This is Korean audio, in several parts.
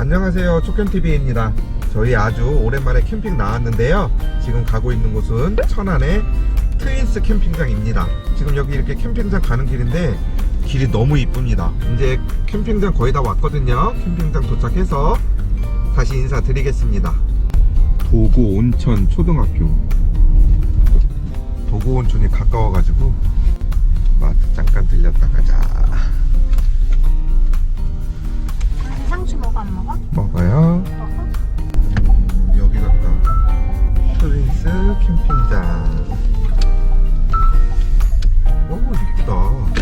안녕하세요, 촉견TV입니다. 저희 아주 오랜만에 캠핑 나왔는데요. 지금 가고 있는 곳은 천안의 트윈스 캠핑장입니다. 지금 여기 이렇게 캠핑장 가는 길인데 길이 너무 이쁩니다. 이제 캠핑장 거의 다 왔거든요. 캠핑장 도착해서 다시 인사드리겠습니다. 도구 온천 초등학교. 도구 온천이 가까워가지고 마트 잠깐 들렸다 가자. 상추 먹어 안 먹어? 먹어요. 여기 갔다. 트윈스 캠핑장. 오, 이쁘다.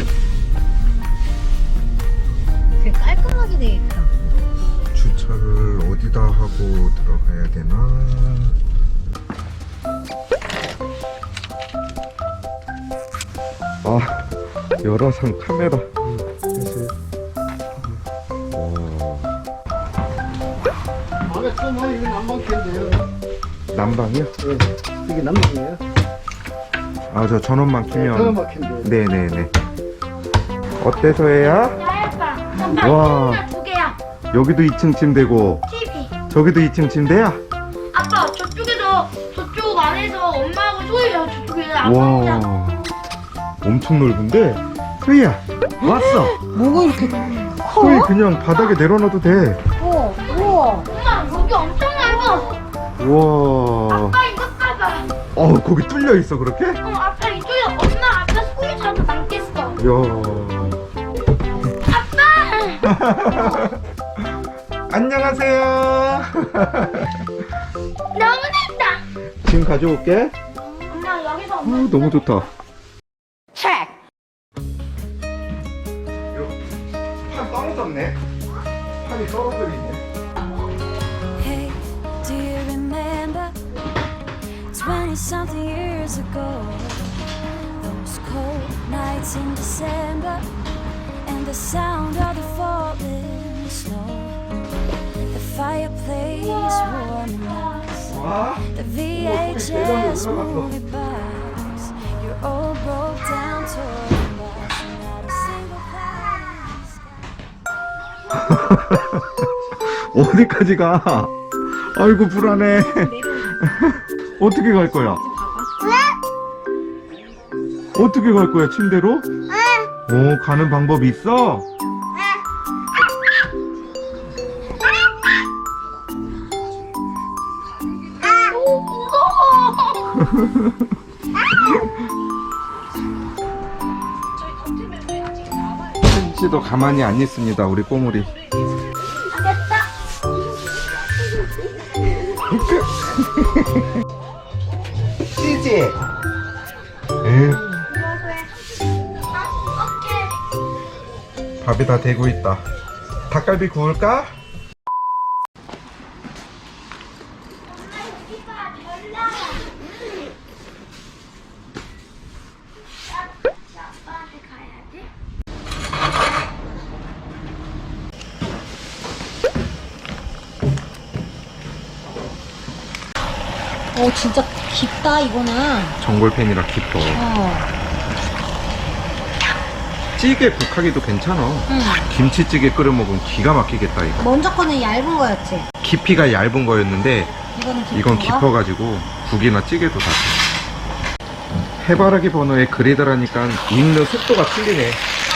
되게 깔끔하게 돼 있다. 주차를 어디다 하고 들어가야 되나? 아, 열화상 카메라. 사실. 안에 처음 이거 난방캔데요. 난방이요? 네, 이게 난방이에요. 아, 저 전원만 키면. 전원방캔데. 네네네. 어때, 소혜야? 와, 두 개야. 여기도 2층 침대고, TV. 저기도 2층 침대야? 아빠 저쪽에서 저쪽 안에서 엄마하고 소희야 저쪽에 아빠랑. 와, 엄청 넓은데? 소희야, 왔어! 뭐가 이렇게 소희 그냥 바닥에 내려놔도 돼. 커? 우와. 엄마 여기 엄청 넓어. 우와. 아빠 이거 봐봐. 거기 뚫려 있어, 그렇게? 아빠 이쪽에 엄마 아빠 소희 자도 남겠어. 이야. 아빠. 안녕하세요. 너무 덥다. 짐 가져올게. 엄마 여기서 엄마. 너무 좋다. 책. 판 떨어졌네. 판이 떨어져 있네. Hey, do you remember 20-something years ago? Those cold nights in December and the sound of the falling snow. The fireplace warming us, 와, the VHS movie box. Your old broke down toy box, not a single plastic. 어디까지 가? 아이고, 불안해. 어떻게 갈 거야? 어떻게 갈 거야, 침대로? 오, 가는 방법 있어? 씨도 가만히 안 있습니다, 우리 꼬물이. 치지? 밥이 다 되고 있다. 닭갈비 구울까? 아빠한테 가야지. 진짜 깊다 이거는. 전골팬이라 깊어. 찌개 국하기도 괜찮아. 응. 김치찌개 끓여 먹으면 기가 막히겠다, 이거. 먼저 거는 얇은 거였지. 깊이가 얇은 거였는데 이거는 깊은 이건 거? 깊어가지고 국이나 찌개도 다 돼. 해바라기 번호에 그리더라니까 익는 속도가 틀리네.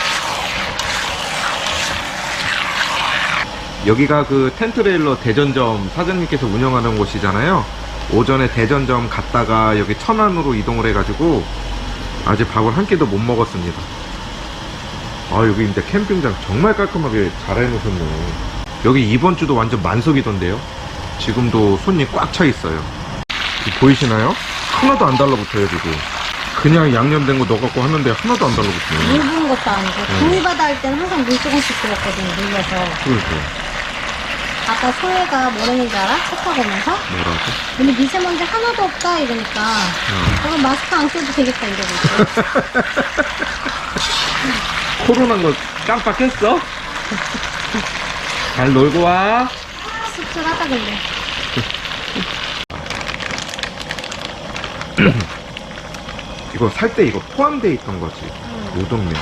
여기가 그 텐트레일러 대전점 사장님께서 운영하는 곳이잖아요. 오전에 대전점 갔다가 여기 천안으로 이동을 해가지고 아직 밥을 한 끼도 못 먹었습니다. 아, 여기 근데 캠핑장 정말 깔끔하게 잘 해놓으셨네. 여기 이번 주도 완전 만석이던데요. 지금도 손님 꽉 차 있어요. 보이시나요? 하나도 안 달라붙어요, 지금. 그냥 양념된 거 넣어갖고 하는데 하나도 안 달라붙어요. 물 부은 것도 아니고 구이바다 할 때는 항상 물 조금씩 부었거든, 물려서. 그러세요. 아까 소혜가 뭐라는지 알아? 차 타고 오면서? 뭐라고? 근데 미세먼지 하나도 없다 이러니까 그럼 마스크 안 써도 되겠다 이러고 있어. 코로나인 거 깜빡했어? 잘 놀고 와. 씁쓸하다 근데. 이거 살 때 이거 포함되어 있던 거지. 우동면.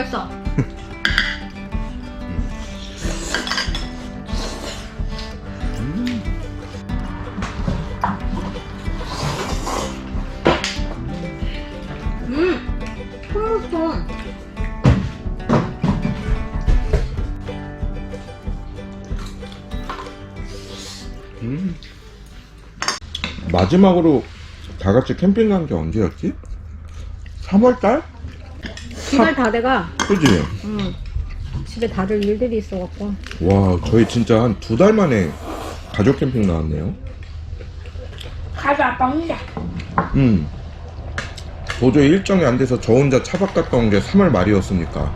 맛있어. hummus. 마지막으로 다 같이 캠핑 간 게 언제였지? 3월달? 이달 다 돼가. 그지? 집에 다들 일들이 있어갖고. 와, 저희 진짜 한 2달 만에 가족 캠핑 나왔네요. 가자 아빠 혼자. 도저히 일정이 안 돼서 저 혼자 차박 갔다 온 게 3월 말이었으니까.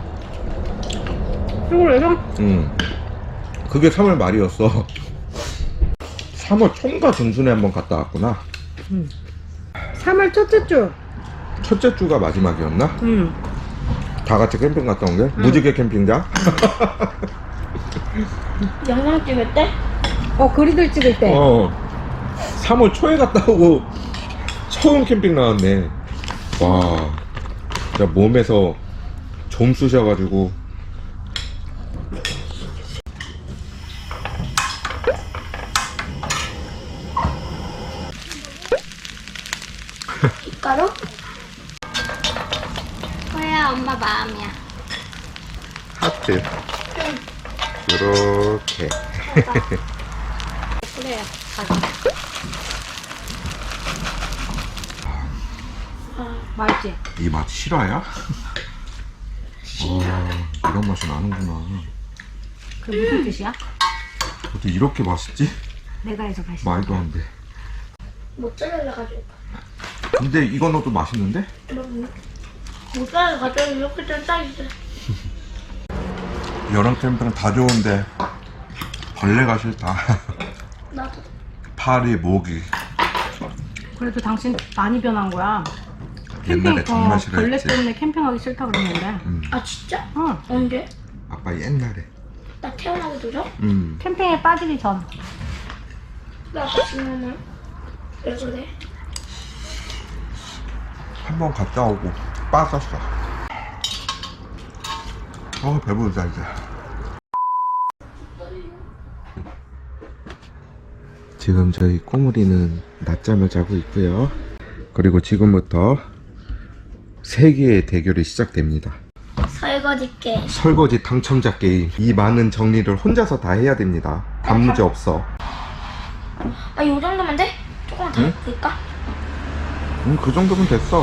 그래서 그게 3월 말이었어. 3월 총과 중순에 한번 갔다 왔구나. 3월 첫째 주. 첫째 주가 마지막이었나? 다 같이 캠핑 갔다 온 게? 무지개 캠핑장? 영상 찍을 때? 그리들 찍을 때. 3월 초에 갔다 오고 처음 캠핑 나왔네. 와, 진짜 몸에서 좀 쑤셔가지고. 가루? 뭐야, 엄마 마음이야. 하트. 이렇게. 그래, 가자. 맛있지? 이 맛 실화야? 이런 맛이 나는구나. 그게 무슨 뜻이야? 어떻게 이렇게 맛있지? 내가 해서 맛있어. 말도 안 돼. 모짜렐라 가져올까? 근데 이거 넣어도 맛있는데? 모짜렐라 가져오면 이렇게 좀 짜있어. 여름 캠핑 다 좋은데 벌레가 싫다. 나도. 파리, 모기. 그래도 당신 많이 변한 거야. 옛날에 정말 벌레 싫어했지. 때문에 캠핑하기 싫다 그랬는데. 아 진짜? 응. 언제? 아빠 옛날에. 나 태어나기 전에? 캠핑에 빠지기 전. 나 아빠 지금은 왜 그래? 한번 갔다 오고 빠졌어. 배부르다 이제. 지금 저희 꼬물이는 낮잠을 자고 있고요. 그리고 지금부터 세계의 대결이 시작됩니다. 설거지 게임. 설거지 당첨자 게임. 이 많은 정리를 혼자서 다 해야 됩니다. 단무지 없어. 아, 이 정도면 돼? 조금 더 될까? 그 정도면 됐어.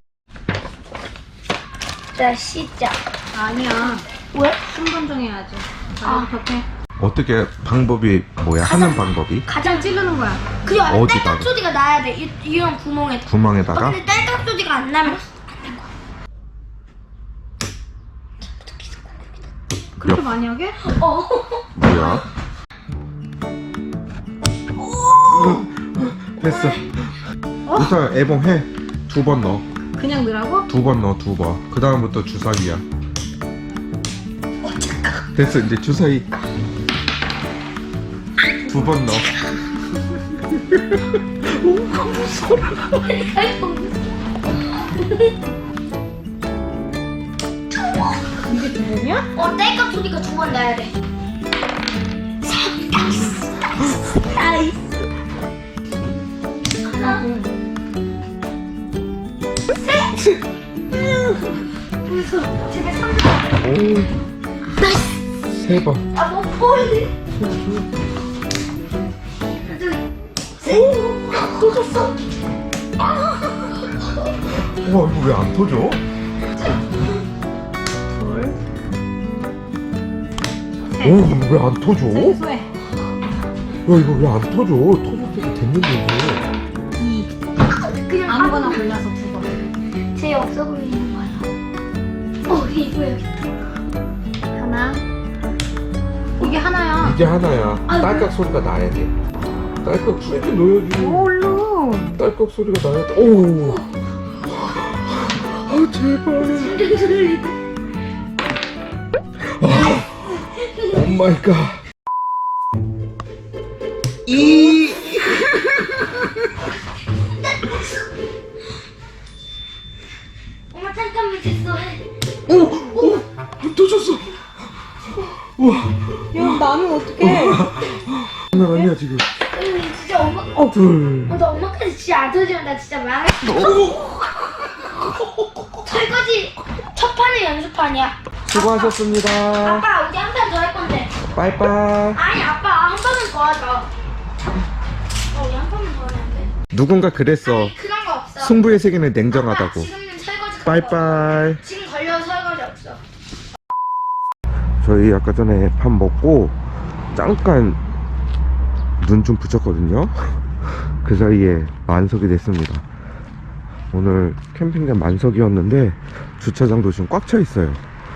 자, 시작. 아니야. 왜? 순번 정해야지. 아. 벽에. 어떻게 방법이 뭐야? 하는 방법이? 가장 찌르는 거야. 그리고 안에 어디다가? 딸깍 소리가 나야 돼. 이런 구멍에. 구멍에다가? 근데 딸깍 소리가 안 나면 그렇게 많이 하게? 뭐야? 됐어. 우선 애봉해. 2번 넣어. 그냥 넣으라고? 2번 넣어, 2번. 그 다음부터 주사위야. 됐어, 이제 주사위. 2번 넣어. 이게 두 번이야? 딸깍 소리가 2번 나야 돼. 나이스. 하나, 셋. 집에 3번. 오. 나이스. 3번. 아, 뭐 보이네. 터졌어. 우와, 이거 왜 안 터져? 오, 이거 왜 안 터져? 세수해. 야, 이거 왜 안 터져? 터질 때도 됐는데, 이거. 그냥 아무거나 골라서 두 번. 제일 없어 보이는 거야. 이거 여기 있다. 하나. 이게 하나야. 이게 하나야. 딸깍 소리가 나야 돼. 딸깍 소리도 넣어야지. 얼른. 딸깍 소리가 나야 돼. 오. 제발. 심장 소리. 오 마이 갓. 이. 엄마 잠깐만 됐어. 오. 야, 나는 어떡해. 장난 아니야 지금. 진짜 엄마. 둘. 나 엄마까지 진짜 안 터지면 나 진짜 망했어. 설거지 첫 판은 연습판이야. 수고하셨습니다. 아빠 우리 한 판 더 할 건데. 빠이빠이. 아니 아빠 한 판은 더 하자. 우리 한 판은 더 하는데. 누군가 그랬어. 그런 거 없어. 승부의 세계는 냉정하다고. 지금은 설거지. 빠이빠이. 지금 걸려서 설거지 없어. 저희 아까 전에 밥 먹고 잠깐 눈 좀 붙였거든요. 그 사이에 만석이 됐습니다. 오늘 캠핑장 만석이었는데 주차장도 지금 꽉 차 있어요.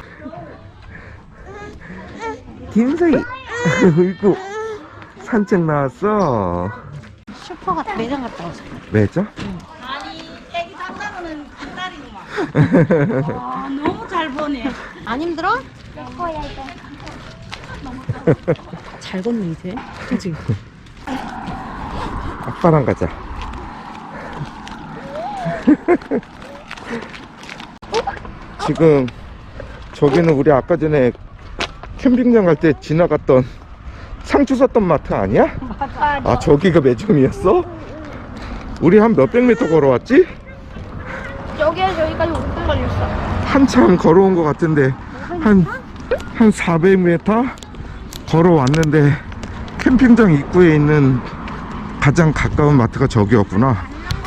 김서희 이거 산책 나왔어. 슈퍼 같아. 매장 갔다 오자. 왜죠? 애기 산다고는 한 달이구만. 와, 너무 잘 보네. 안 힘들어? 잘 걷네, 이제. 그치? 아빠랑 가자. 지금 저기는 우리 아까 전에 캠핑장 갈 때 지나갔던 상추 샀던 마트 아니야? 맞아. 아 저기가 매점이었어? 우리 한 몇백 미터 걸어왔지? 여기에서 여기까지 5분 걸렸어. 한참 걸어온 것 같은데 한 400m 걸어왔는데 캠핑장 입구에 있는 가장 가까운 마트가 저기였구나.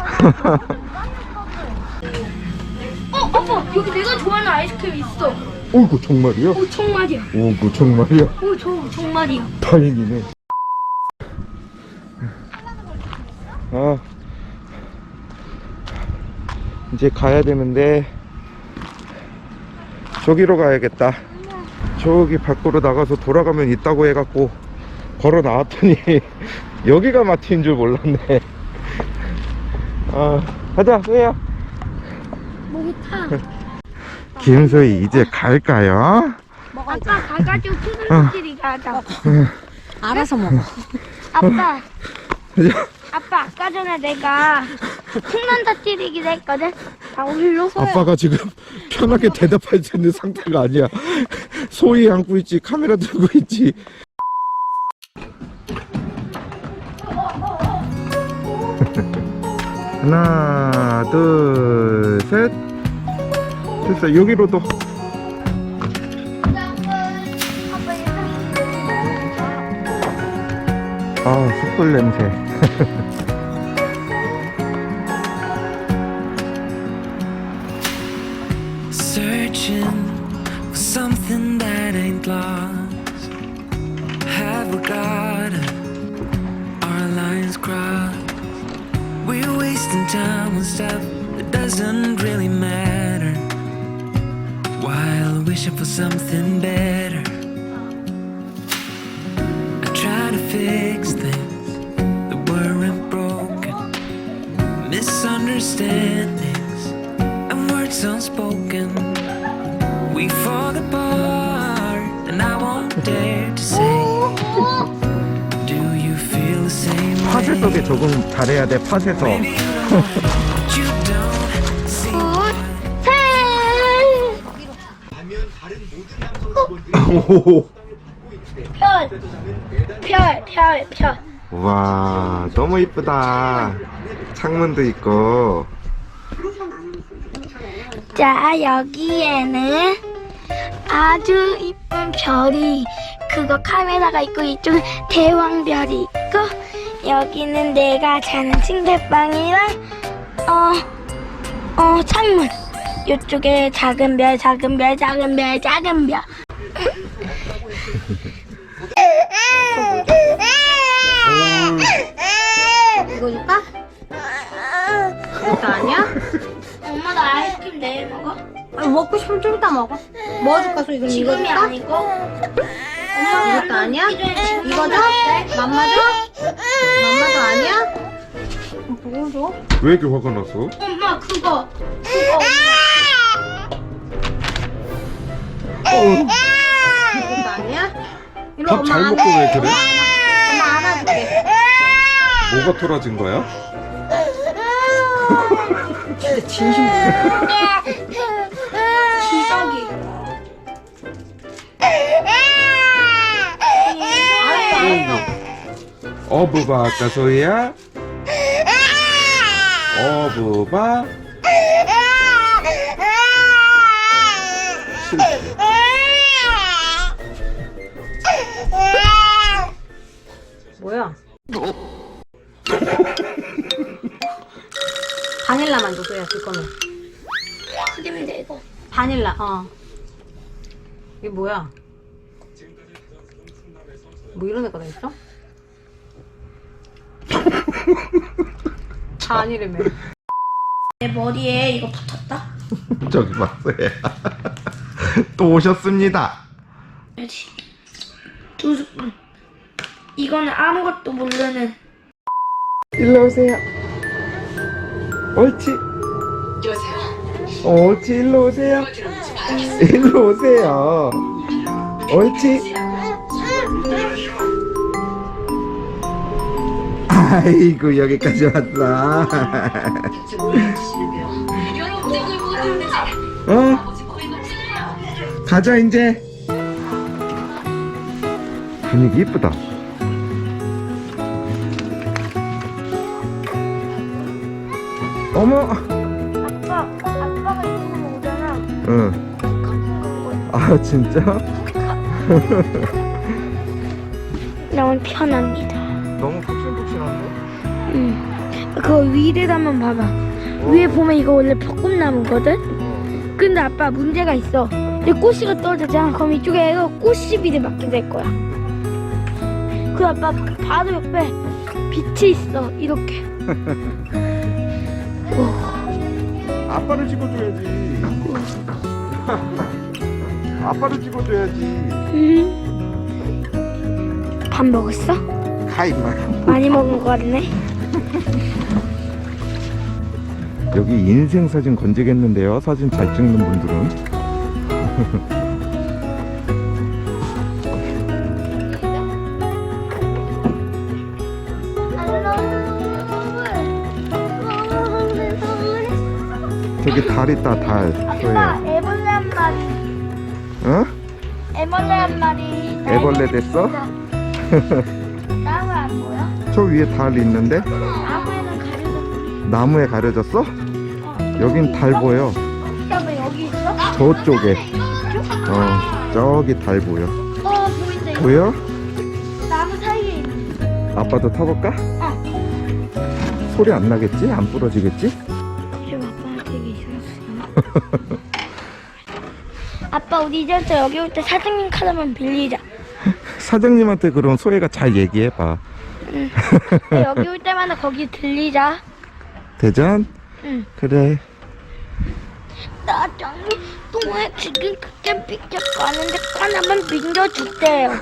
아빠 여기 내가 좋아하는 아이스크림 있어. 어이구 정말이야? 정말이야. 오구 정말이야? 정말이야. 다행이네. 아 이제 가야 되는데 저기로 가야겠다. 저기 밖으로 나가서 돌아가면 있다고 해갖고 걸어 나왔더니 여기가 마트인 줄 몰랐네. 아 가자 소희야. 목이 타. 김소희 이제 갈까요? 아빠 가가지고 푸들푸들이 가자. 알아서 먹어. 아빠. 아빠 아까 전에 내가 콩난다 찌르기를 했거든. 다 올려. 아빠가 지금 편하게 대답할 수 있는 상태가 아니야. 소희 안고 있지, 카메라 들고 있지. 하나, 둘, 셋. 됐어. 여기로도. 아, 숯불 냄새. Searching for something that ain't lost. Have we got our lines crossed? We're wasting time on stuff that doesn't really matter, while wishing for something better. I try to fix things that weren't broken, misunderstandings and words unspoken. We fall apart, and I won't dare to say, do you feel the same 파쇄 way? 속에 적응 잘해야 돼, 파쇄석. Maybe you don't see why. 별. 와, 너무 이쁘다. 창문도 있고. 자, 여기에는 아주 이쁜 별이, 그거 카메라가 있고, 이쪽은 대왕별이 있고, 여기는 내가 자는 침대방이랑 창문. 이쪽에 작은 별. 이거 줄까? 이거 아니야? 엄마 나 아이스크림 내일 먹어? 먹고 싶으면 좀 이따 먹어. 뭐 줄까, 소희? 그럼 이거 지금이 줄까? 아니고. 엄마 이것도 아니야? 지금 이거 줘? 맘마 줘? 맘마도 아니야? 그거 줘? 왜 이렇게 화가 났어? 엄마 그거. 이것도 아니야? 이리 밥 잘 먹고 왜 그래? 엄마 안아줄게. 뭐가 토라진 거야? 진짜 진심 기저귀. 어부바 아까 소희야? 어부바? 뭐야? 바닐라만 줘, 소야, 줄 거면. 크림인데 이거. 바닐라, 이게 뭐야? 뭐 이런 애가 다 있어? 바닐라며. 내 머리에 이거 붙었다. 저기 봤어요. 또 오셨습니다. 그렇지. 2스푼. 이거는 아무것도 모르는. 일로 오세요. 옳지. 옳지, 일로 오세요. 일로 오세요. 옳지. 아이고, 여기까지 왔어. 가자, 이제. 분위기 이쁘다. 어머. 아빠가 이쪽으로 오잖아. 응. 가끔 아, 진짜? 너무 편합니다. 너무 푹신푹신한데? 그거 위를 한번 봐봐. 위에 보면 이거 원래 벚꽃나무거든? 근데 아빠 문제가 있어. 이 꽃씨가 떨어지잖아. 그럼 이쪽에 꽃씨비를 맞게 될 거야. 그 아빠 바로 옆에 빛이 있어. 이렇게. 아빠를 찍어줘야지. 아빠를 찍어줘야지. 밥 먹었어? 가이 마. 많이 먹은 거 같네. 여기 인생 사진 건지겠는데요. 사진 잘 찍는 분들은. 저기 달 있다, 달. 아빠 소희야. 애벌레 한 마리. 어? 애벌레 한 마리. 애벌레 됐어? 나무 안 보여? 저 위에 달 있는데? 나무에는 가려졌어. 나무에 가려졌어? 여긴 달 보여. 아빠 여기 있어? 저쪽에. 저기 달 보여. 보인다. 보여? 나무 사이에 있는. 아빠도 타볼까? 소리 안 나겠지? 안 부러지겠지? 좀 아빠한테 되게 이상했어. 아빠 우리 이제부터 여기 올 때 사장님 카드만 빌리자. 사장님한테 그럼 소혜가 잘 얘기해봐. 여기 올 때마다 거기 들리자. 대전? 응. 그래. 사장님 동호회 지금 그때 삐쩍 가는데 하나만 빌려주세요.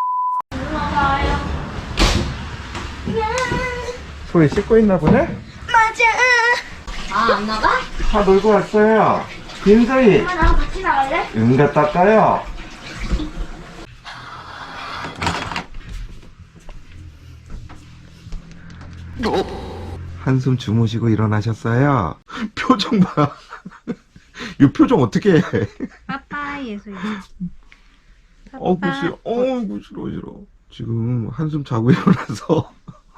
소혜 씻고 있나 보네? 맞아. 안 나가? 다 놀고 왔어요. 김소희. 엄마 나랑 같이 나갈래? 응 갔다 올까요? 한숨 주무시고 일어나셨어요? 표정 봐. 이 표정 어떻게 해? 빠빠 예수야. 어구 싫어. 어구 싫어. 지금 한숨 자고 일어나서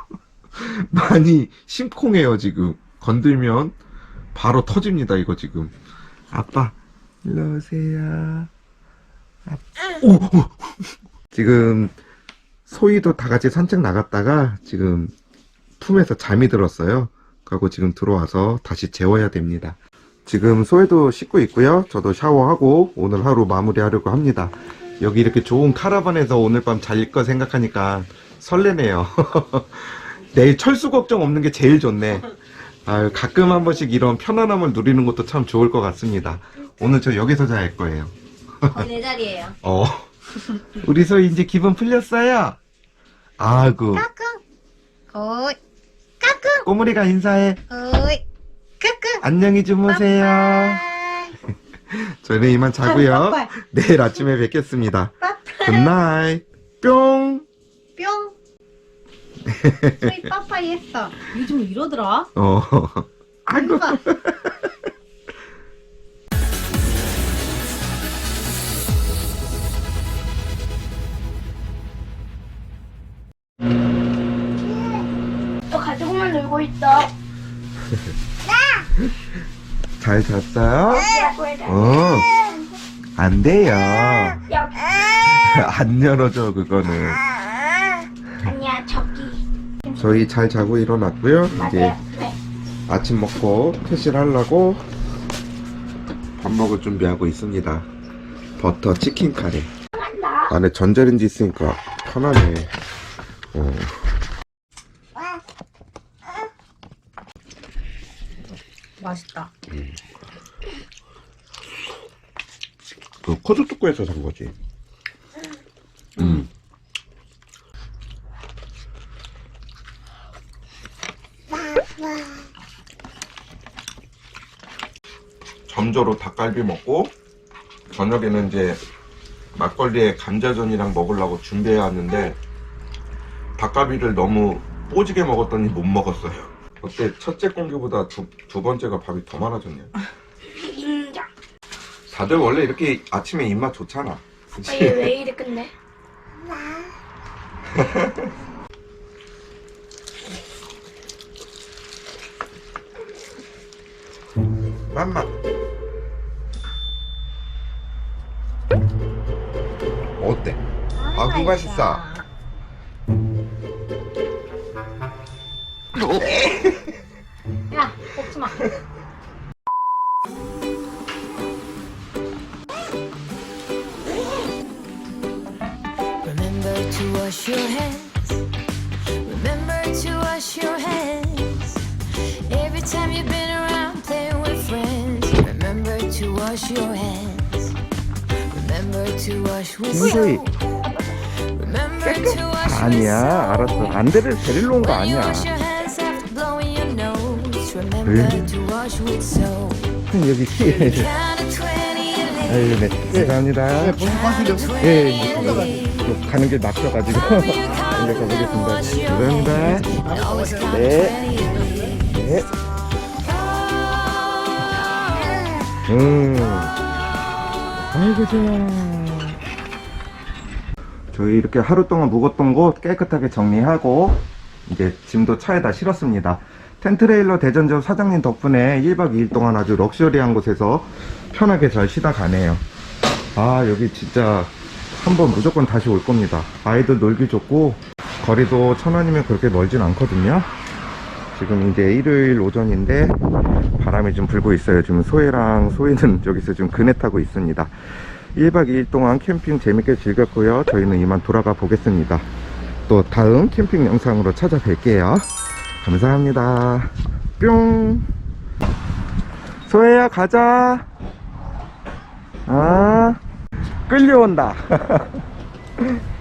많이 심쿵해요 지금. 건들면 바로 터집니다 이거 지금. 아빠 일로 오세요. 오! 지금 소희도 다 같이 산책 나갔다가 지금 품에서 잠이 들었어요. 그리고 지금 들어와서 다시 재워야 됩니다. 지금 소희도 씻고 있고요. 저도 샤워하고 오늘 하루 마무리하려고 합니다. 여기 이렇게 좋은 카라반에서 오늘 밤 잘 거 생각하니까 설레네요. 내일 철수 걱정 없는 게 제일 좋네. 아유, 가끔 한 번씩 이런 편안함을 누리는 것도 참 좋을 것 같습니다. 오늘 저 여기서 잘 거예요. 내 자리예요. 우리 소희 이제 기분 풀렸어요? 아이고. 어이, 꼬물이가 인사해. 어이, 안녕히 주무세요. 저는 이만 자고요. 내일 아침에 뵙겠습니다. 굿나잇. 뿅. 뿅. 소희 빠빠이 했어. 요즘 이러더라. 아이고. 놀고 있어. 잘 잤어요? 네. 안 돼요. 여기. 안 열어줘, 그거는. 아니야, 저기. 저희 잘 자고 일어났고요. 이제 맞아요. 네. 아침 먹고 퇴실 하려고 밥 먹을 준비하고 있습니다. 버터 치킨 카레. 안에 전자레인지 있으니까 편하네. 맛있다. 그 코스트코에서 산 거지. 점저로 닭갈비 먹고 저녁에는 이제 막걸리에 감자전이랑 먹으려고 준비해 왔는데 닭갈비를 너무 뽀지게 먹었더니 못 먹었어요. 어때? 첫째 공기보다 두 번째가 밥이 더 많아졌네요. 인정. 다들 원래 이렇게 아침에 입맛 좋잖아. 그치? 얘 왜 이래 끝내? 맘마. 어때? 아구 맛있어. 야, 먹지 마. Remember to wash your hands. Remember to wash your hands. Every time you've been around playing with friends. Remember to wash your hands. Remember to wash with 김소희. soap. Remember to wash with 아니야, soap. 알았어. 안대를 데리러 온 거 When you 아니야. wash your hands after blowing your nose. Remember to wash with soap. 여기 Count to 20 and live. 네, 감사합니다. 예, 가는 길 막혀가지고 이제 가보겠습니다. 감사합니다. 네. 네. 아이고 좋아. 저희 이렇게 하루 동안 묵었던 곳 깨끗하게 정리하고 이제 짐도 차에다 실었습니다. 텐트레일러 대전점 사장님 덕분에 1박 2일 동안 아주 럭셔리한 곳에서 편하게 잘 쉬다 가네요. 아, 여기 진짜 한번 무조건 다시 올 겁니다. 아이들 놀기 좋고 거리도 천안이면 그렇게 멀진 않거든요. 지금 이제 일요일 오전인데 바람이 좀 불고 있어요. 지금 소혜랑 소희는 여기서 지금 그네 타고 있습니다. 1박 2일 동안 캠핑 재밌게 즐겼고요. 저희는 이만 돌아가 보겠습니다. 또 다음 캠핑 영상으로 찾아뵐게요. 감사합니다. 뿅. 소혜야 가자. 아, 끌려온다.